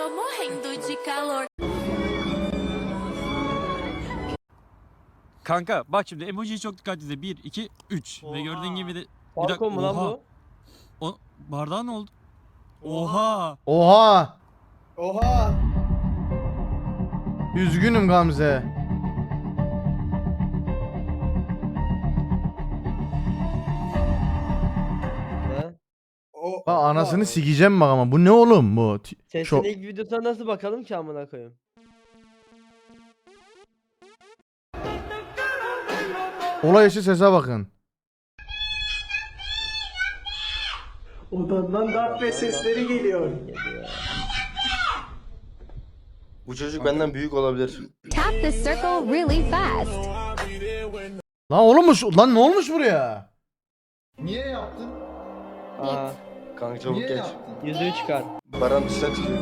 Kanka bak şimdi emojiyi çok dikkat izle. 1, 2, 3. Ve gördüğün gibi de... Falcon mu lan bu? O bardağı ne oldu? Oha. Oha. Oha. Üzgünüm Gamze. Ne? Bak anasını sikeceğim bak ama bu ne oğlum bu? Sesin ilk videosuna nasıl bakalım ki amına koyayım? Olay işi sese bakın. Odandan darbe sesleri geliyor. Bu çocuk benden büyük olabilir. Tap the circle really fast. Lan oğlum lan ne olmuş buraya? Niye yaptın? Aha. Kanka çabuk Niye geç. yaptın? Yüzüğü çıkar. Baran dışına çıkıyor.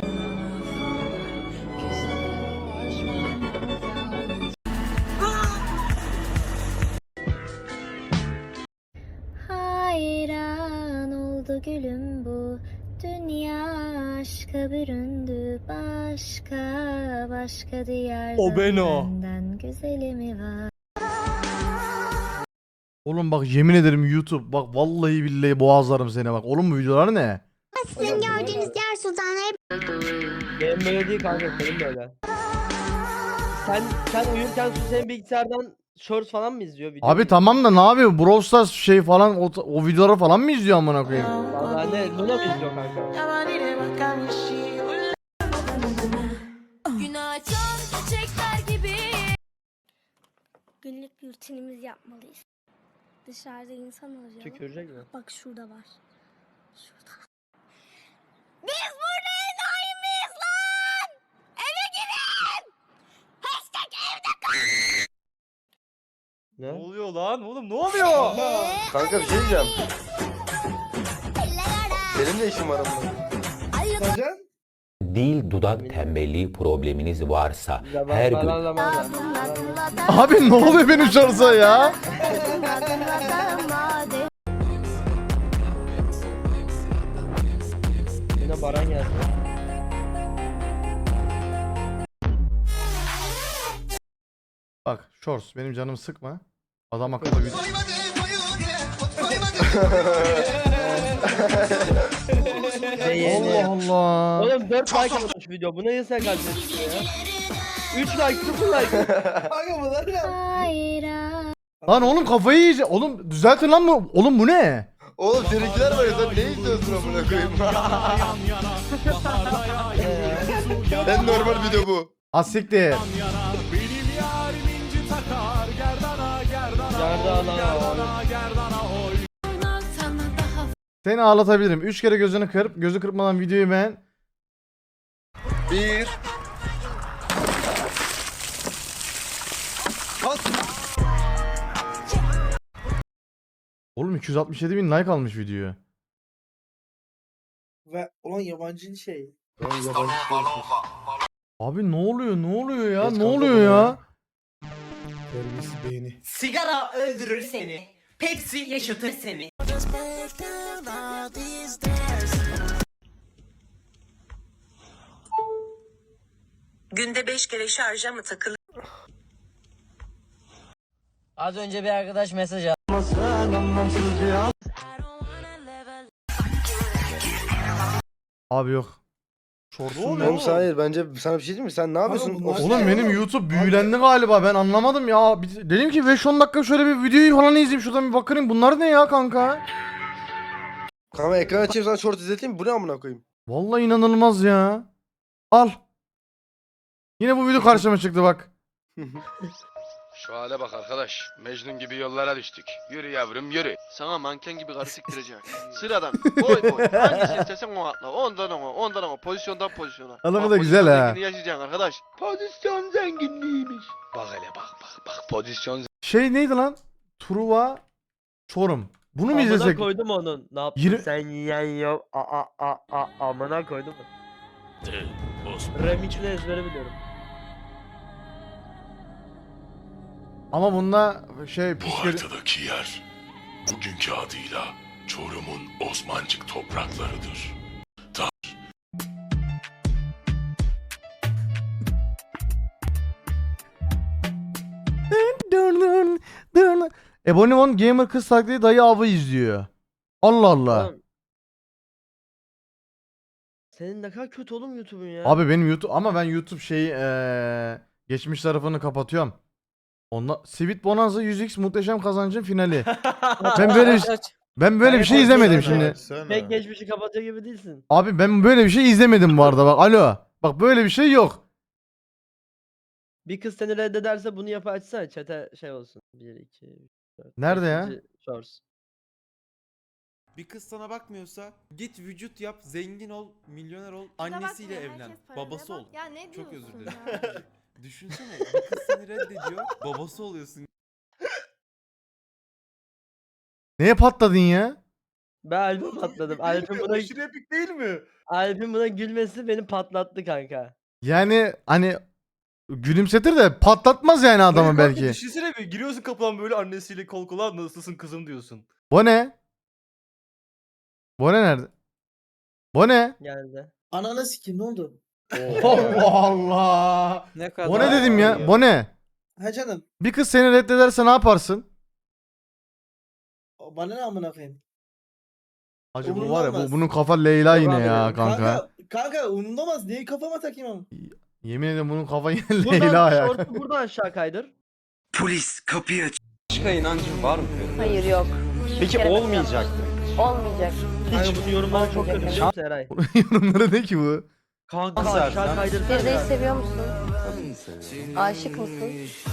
Hayran oldu gülüm bu dünya aşka büründü başka diyarda O ben o. benden güzeli mi var? Oğlum bak yemin ederim YouTube bak vallahi billahi boğazlarım seni bak. Oğlum bu videolar ne? Sizin gördüğünüz diğer sultanlar Benim böyle değil kanka, benim böyle. Sen uyurken Su senin bilgisayardan shorts falan mı izliyor? Video Abi mu tamam da ne yapıyor? Brawl Stars şey falan o videoları falan mı izliyor amına koyayım? izliyor? Valla ne? Luna mı izliyor kanka? Günlük rutinimizi yapmalıyız. Dışarıda insan arayalım. Tükürecek mi? Bak şurada var. Şurada. Biz burada enayi miyiz lan? Eve girin! Hashtag evde kal! Ne? oluyor lan oğlum ne oluyor? Kanka bir şey diyeceğim. Benim de işim var ama. Sacan? Dil dudak tembelliği probleminiz varsa her gün Abi ne oluyor benim şarja ya? Yine Baran geldi. Bak Shorts benim canımı sıkma. Adam akıllı bir... Ve yeni. Allah Allah. Oğlum 4 like atmış video. Bu ne sen kaç ya? 3 like, 0 like. Kanka bunlar ya. Hayran. Lan oğlum kafayı yiyecek. Oğlum düzeltin lan bu. Oğlum bu ne? Oğlum seninkiler var ya, sen ne izliyorsun amına koyayım? En normal video bu. Asiktir. Yerde Seni ağlatabilirim. 3 kere gözünü kırp. Gözü kırpmadan videoyu beğen. 1. Oğlum 267 bin like almış videoyu. Ve olan yabancı şey. Abi ne oluyor? Ne oluyor ya? Geç Ne kaldı oluyor bu ya? ya. Terbiyesiz beyni. Sigara öldürür seni. Pepsi yaşatır seni. Günde 5 kere şarja mı takılır? Az önce bir arkadaş mesaj attı. Abi yok. Shorts'un ne? Oğlum sen hayır, bence sana bir şey diyeyim mi? Sen ne yapıyorsun? bunlar- Oğlum benim YouTube büyülendi galiba. Ben anlamadım ya. Dedim ki 5-10 dakika şöyle bir videoyu falan izleyeyim. Şuradan bir bakayım. Bunlar ne ya kanka? Kanka ekran açayım sana short izleteyim mi? Bu ne amına koyayım? Vallahi inanılmaz ya. Al. Yine bu video karşıma çıktı bak. Şu hale bak arkadaş. Mecnun gibi yollara düştük. Yürü yavrum yürü. Sana manken gibi karı siktirecek. Sıradan boy boy. Hangisini istesen o atla. Ondan ona, ondan ona. Pozisyondan pozisyona. Adamı Bak, da güzel pozisyon ha. zenginliği yaşayacaksın arkadaş. Pozisyon zenginliğiymiş. Bak hele bak. Pozisyon Şey neydi lan? Truva Çorum. Bunu mu Amına izlesek? koydum onun. Ne yaptın Yirmi- sen yiyen yok. Amına koydum. Remix'ini ezbere biliyorum. Ama bunda şey Bu pis haritadaki yer bugünkü adıyla Çorum'un Osmancık topraklarıdır. Ebonimon gamer kız taklidi dayı avı izliyor. Allah Allah. Oğlum, senin ne kadar kötü oğlum YouTube'un ya. Abi benim YouTube ama ben YouTube geçmiş tarafını kapatıyorum. Onunla Sweet Bonanza 100x muhteşem kazancın finali. Ben böyle bir şey izlemedim şimdi. Pek geçmişi kapatıyor gibi değilsin. Abi ben böyle bir şey izlemedim bu arada bak. Alo. Bak böyle bir şey yok. Bir kız seni reddederse bunu yapı açsana chat'e şey olsun. 1, 2, 3, 4. Nerede ya? Shorts. Bir kız sana bakmıyorsa git vücut yap, zengin ol, milyoner ol, annesiyle evlen, babası ol. Ya ne Çok özür diyorsun dilerim. ya? Düşünsene bir kız seni reddediyor, babası oluyorsun. Neye patladın ya? Ben Alp'e patladım. Alp'in buna, epik değil mi? Alp'in buna gülmesi beni patlattı kanka. Yani hani gülümsetir de patlatmaz yani adamı belki. Düşünsene bir giriyorsun kapıdan böyle annesiyle kol kola nasılsın kızım diyorsun. Bu ne? Bu ne nerede? Bu ne? Geldi. Ananı sikeyim ne oldu? Allah Allah. Ne kadar? Bu ne dedim ya? Bu ne? Ha canım. Bir kız seni reddederse ne yaparsın? Bana ne amına koyayım? Acı bu Umurumda var ya olmaz. bunun kafa Leyla yine abi ya ya. kanka. Kanka umurumda olmaz. Niye kafama takayım ama? Yemin ederim bunun kafa yine Buradan Leyla ya. short'u buradan aşağı kaydır. Polis kapıyı aç. Başka inancın var mı? Hayır yok. Peki olmayacak mı? Olmayacak. Kanka bunun yorumları çok kötü biliyor musun Eray? Yorumları ne ki bu? Kanka Nasıl aşağı Ersan? kaydırsana. Feride'yi biraz. seviyor musun? Aşık mısın?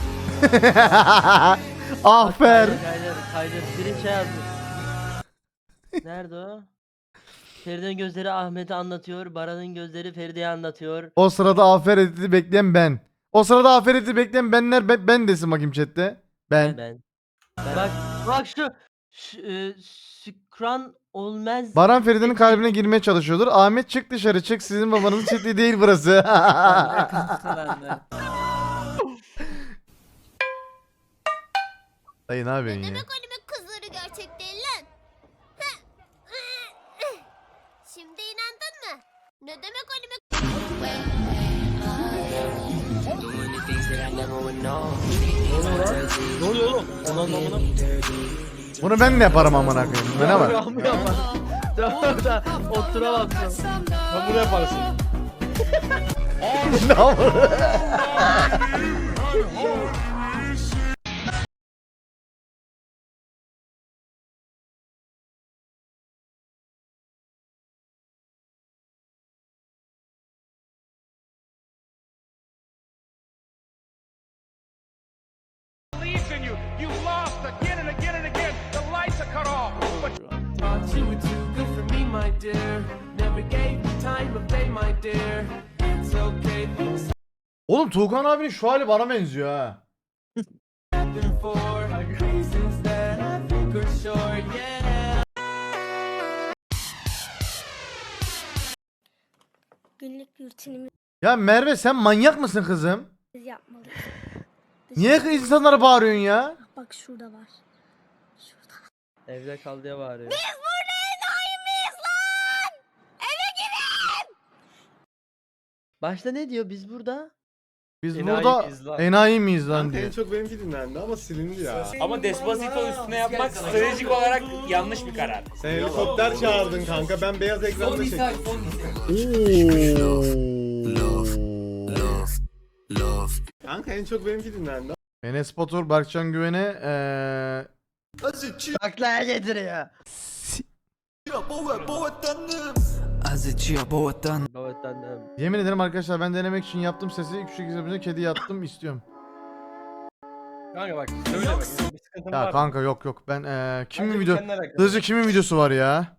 Afer. Kaydır. Biri şey yazmış. Nerede o? Feride'nin gözleri Ahmet'i anlatıyor. Baran'ın gözleri Feride'yi anlatıyor. O sırada afer editi bekleyen ben. O sırada afer editi bekleyen benler ben desin bakayım chatte. Ben. Bak şu Şükran olmaz. Baran Feride'nin kalbine girmeye çalışıyordur. Ahmet çık dışarı çık sizin babanızın çiftliği değil burası. Dayı ne yapıyorsun ya? Anime kızları gerçek değil lan. Şimdi inandın mı? Ne demek anime? Ne oluyor oğlum? Anlamına. Bunu ben de yaparım amına koyayım. Bu ne var? Oturamazsın. Sen bunu yaparsın. Ne var? Oğlum Tuğkan abinin şu hali bana benziyor ha. Günlük rutinimizi Ya Merve sen manyak mısın kızım? yapmalıyız. Niye insanlara bağırıyorsun ya? Bak şurada var. Şurada. Evde kal diye bağırıyor. Biz burada enayi miyiz lan? Eve girin! Başta ne diyor biz burada? Biz Enayi burada miyiz lan? enayi miyiz lan Kanka en diyor. çok benimki dinlendi ama silindi ya. Ama Despacito üstüne yapmak stratejik olarak yanlış bir karar. Sen helikopter çağırdın kanka ben beyaz ekranda çektim. Kanka en çok benimki dinlendi. Enes Batur, Berkcan Güven'e Aklaya getiriyor. Babatanım. yemin ederim arkadaşlar ben denemek için yaptım sesi küçük izlediğimde kedi yattım istiyorum. Kanka bak söyle bak bir sıkıntın Ya var. kanka yok ben kimin Bence video kendine alakalı. hızlıca kimin videosu var ya?